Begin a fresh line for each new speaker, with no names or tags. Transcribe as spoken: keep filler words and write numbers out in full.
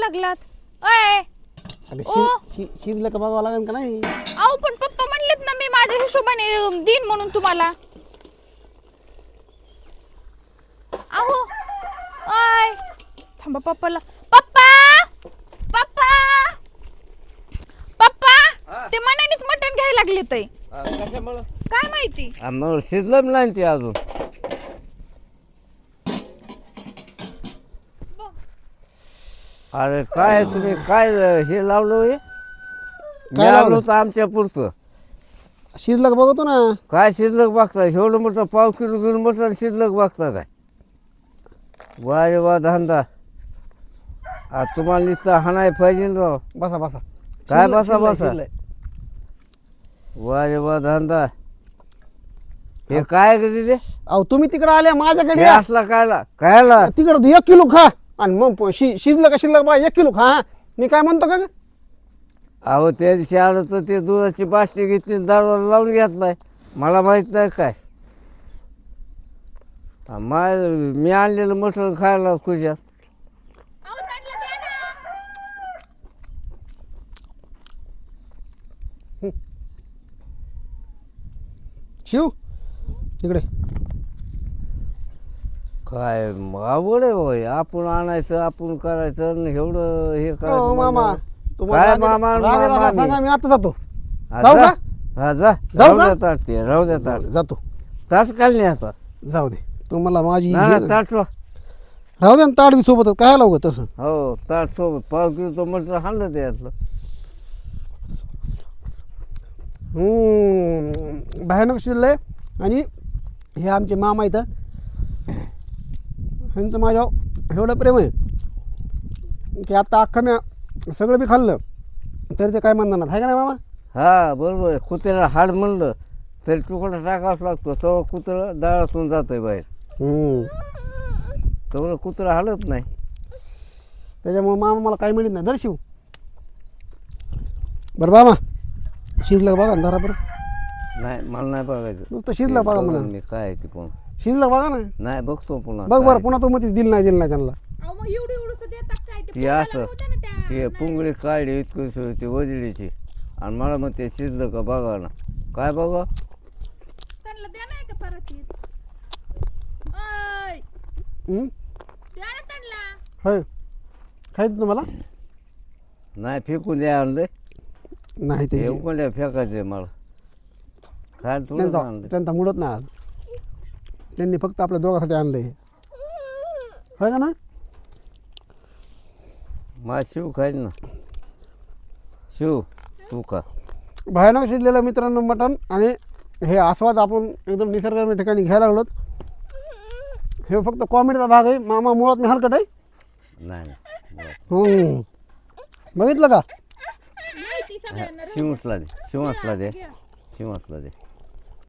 लागलात? अय
अगं
ओ.
शि- शि- शिजलं का बघावं लागेल का नाही?
अहो पण पप्पा म्हणलेत ना मी माझ्या हिशोबाने देईन म्हणून तुम्हाला. अहो अय थांबा पप्पाला. पप्पा पप्पा पप्पा ते मनानेच मटण घ्यायला लागले ते.
कशामुळं
काय माहिती.
मग शिजलं नाही ते अजून. अरे काय तुम्ही काय हे लावलं हे?
काय
लावलं
लावलं?
होतं आमच्या पुरतं.
शिजलं का बघतो ना.
काय शिल्लक बघता? एवढं मोठं पाव किलो घेऊन बसलं शिल्लक बघता काय? वा रे वा धंदा. आज तुम्हाला नुसतं हाणाय पाहिजे ना राव.
बसा बसा.
काय
शिजलं-
बसा
शिजलंय-
बसा?
शिजलंय.
वा रे वा धंदा. हे काय ग तिथे?
अहो तुम्ही तिकडे आले माझ्याकडे
हे
या.
असला कायला कायला?
तिकडं एक किलो खा आणि मग प- शि- शिजलं का शिल्लक बा एक किलो खा हा. मी काय म्हणतो का ग?
अहो त्या दिवशी आलं तर ते दुधाची बाटली घेतली दाराला लावून घेतलाय. मला माहित नाही काय. माय मी आणलेलं मटण खायला खुशात.
अहो त्यांना द्या ना.
शिव तिकडे.
काय आवड आहे भाई. आपण आणायचं आपण करायचं आणि एवढं हे
हो
करायचं
मामा
म्हणल्यावर.
तुम्हाला
काय
राग येणार-
मामा आणि
राग येणार
मामी?
नाही, सांगा मी आता जातो.
हा,
जाऊ
जा.
का?
हा जा.
जाऊ
राहू
का?
द्या ताट ते राहू द्या ताट.
जातो.
ताट काल नाही आता.
जाऊ दे तुम्हाला माझी
नाही
हे-
नाही, ताट ठेवा.
राहू दे ना ताट बी सोबतच काय लावू ग तसं.
हो ताट सोबत पाव किलो तो म्हटलं हाणलं त्यातलं.
हम्म, भयानक शिरलंय. आणि हे आमचे मामा इथं ह्यांचं माझ्या एवढं प्रेम आहे की आता अख्खं मी सगळं बी खाल्लं तरी ते काय म्हणणार नाही. आहे का नाही मामा?
हा बरोबर आहे. कुत्र्याला हाड म्हणलं तरी तुकडा टाकावाच लागतो. तेव्हा कुत्रं दारातून जातंय बाहेर.
हम्म.
तेवढं कुत्रं हालत नाही.
त्याच्यामुळे मामा मला काही म्हणत नाही. दर्शिव बरं मामा शिजलं बघा ना जरा बरं.
नाही मला नाही बघायचं.
नुसतं शिजलं बघा म्हणा.
मी काय आहे ते पण
शिजलं बघा ना.
नाही बघतो पुन्हा.
बघ
काय
बरं पुन्हा तो मध्येच दिल नाही दिल नाही त्यांना.
अहो मग एवढी एवढंसं देतात काय ते
ती
पोराला
असं
राहू द्या ना त्या.
ते पुंगळी काढली इतकं ते वजडीची आणि मला मग ते शिजलं का बघा ना. काय बघा?
त्यांना द्या नाही का परत येत. अय
हम्म?
द्या ना त्यांना.
होय खायचं तुम्हाला?
नाही फेकून द्या आणलं.
नाही ते
फेकून द्या फेकायचं मला. काय तुला
त्यांचा
आणलं?
त्यांचा मुडत नाही आज. त्यांनी फक्त आपल्या दोघांसाठी आणलं हे. होय का ना?
माझ शिव खायच ना. शिव तू का?
भयानक शिजलेलं मित्रांनो मटण. आणि हे आस्वाद आपण एकदम निसर्गरम्य ठिकाणी घ्यायला लागलो. हे फक्त कॉमेडीचा भाग आहे. मामा मुळात मी हलकट आहे.
नाही नाही.
हम्म. बघितलं का?
माहिती सगळ्यांना.
शिवसला दे शिवसला दे शिवसला दे.